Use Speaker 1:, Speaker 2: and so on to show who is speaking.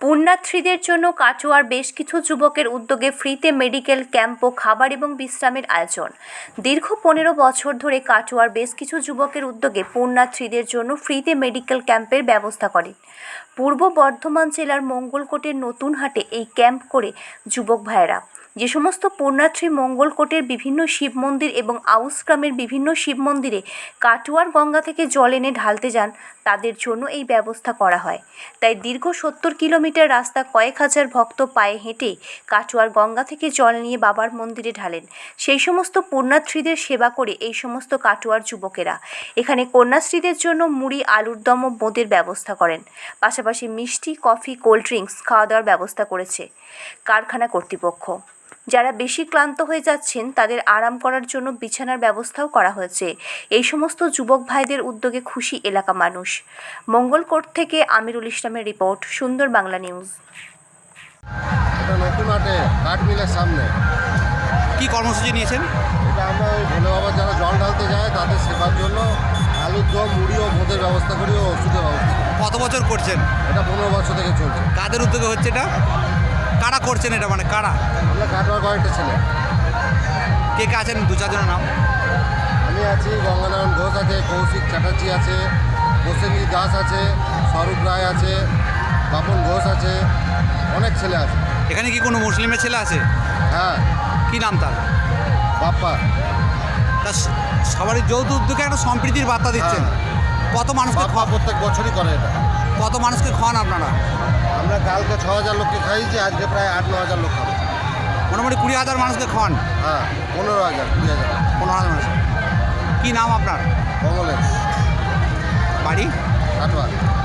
Speaker 1: পুণ্যার্থীদের জন্য কাটোয়ার বেশ কিছু যুবকের উদ্যোগে ফ্রিতে মেডিকেল ক্যাম্প ও খাবার এবং বিশ্রামের আয়োজন। দীর্ঘ 15 বছর ধরে কাটোয়ার বেশ কিছু যুবকের উদ্যোগে পুণ্যার্থীদের জন্য ফ্রিতে মেডিকেল ক্যাম্পের ব্যবস্থা করে। পূর্ব বর্ধমান জেলার মঙ্গলকোটের নতুনহাটে এই ক্যাম্প করে যুবক ভাইয়েরা। যে সমস্ত পুণ্যার্থী মঙ্গলকোটের বিভিন্ন শিব মন্দির এবং আউশ গ্রামের বিভিন্ন শিব মন্দিরে কাটোয়ার গঙ্গা থেকে জল এনে ঢালতে যান, তাদের জন্য এই ব্যবস্থা করা হয়। তাই দীর্ঘ 70 কিলোমিটার রাস্তা কয়েক হাজার ভক্ত পায়ে হেঁটে কাটোয়ার গঙ্গা থেকে জল নিয়ে বাবার মন্দিরে ঢালেন। সেই সমস্ত পুণ্যার্থীদের সেবা করে এই সমস্ত কাটোয়ার যুবকেরা এখানে কন্যাশ্রীদের জন্য মুড়ি, আলুর দম ও বোঁদের ব্যবস্থা করেন। পাশাপাশি মিষ্টি, কফি, কোল্ড ড্রিঙ্কস খাওয়া দাওয়ার ব্যবস্থা করেছে কারখানা কর্তৃপক্ষ। যারা বেশি ক্লান্ত হয়ে যাচ্ছেন তাদের আরাম করার জন্য বিছানার ব্যবস্থাও করা হয়েছে। এই সমস্ত যুবক ভাইদের উদ্যোগে খুশি এলাকা মানুষ। মঙ্গলকোট থেকে আমিরুল ইসলামের রিপোর্ট, সুন্দর বাংলা নিউজ।
Speaker 2: এটা নতুনহাটে কাঠ মিলের সামনে।
Speaker 3: কি কর্মসূচি নিয়েছেন?
Speaker 2: এটা আমরা ওই ভোলে বাবা যারা জল ঢালতে যায় তাদের সেবার জন্য আলুর দম, মুড়ি ও বোঁদের ব্যবস্থা করি ও ওষুধের ব্যবস্থা করি।
Speaker 3: কত বছর করছেন?
Speaker 2: এটা 15 বছর থেকে চলছে।
Speaker 3: কাদের উদ্যোগে হচ্ছে এটা? কারা করছেন এটা, মানে কারা?
Speaker 2: আমরা কাটোয়ার কয়েকটা ছেলে।
Speaker 3: কে কে আছেন? 2-4 জনের নাম।
Speaker 2: আমি আছি, গঙ্গানারায়ণ ঘোষ আছে, কৌশিক চ্যাটার্জি আছে, প্রসেনজিৎ দাস আছে, স্বরূপ রায় আছে, বাপন ঘোষ আছে, অনেক ছেলে আছে।
Speaker 3: এখানে কি কোনো মুসলিমের ছেলে আছে?
Speaker 2: হ্যাঁ।
Speaker 3: কি নাম তার?
Speaker 2: বাপ্পা।
Speaker 3: তা সবারই যৌথ উদ্যোগে একটা সম্প্রীতির বার্তা দিচ্ছেন। কত মানুষকে
Speaker 2: বাপ্পা প্রত্যেক বছরই করে এটা।
Speaker 3: কত মানুষকে খাওয়ান আপনারা?
Speaker 2: আমরা কালকে 6000 লোককে খাইয়েছি, আজকে প্রায় 8-9 হাজার লোক খাবো।
Speaker 3: মোটামুটি 20,000 মানুষকে খাওয়ান।
Speaker 2: হ্যাঁ, 15,000, 20,000।
Speaker 3: 15,000 মানুষ। কী নাম আপনার?
Speaker 2: কমলেশ।
Speaker 3: বাড়ি?
Speaker 2: কাটোয়া।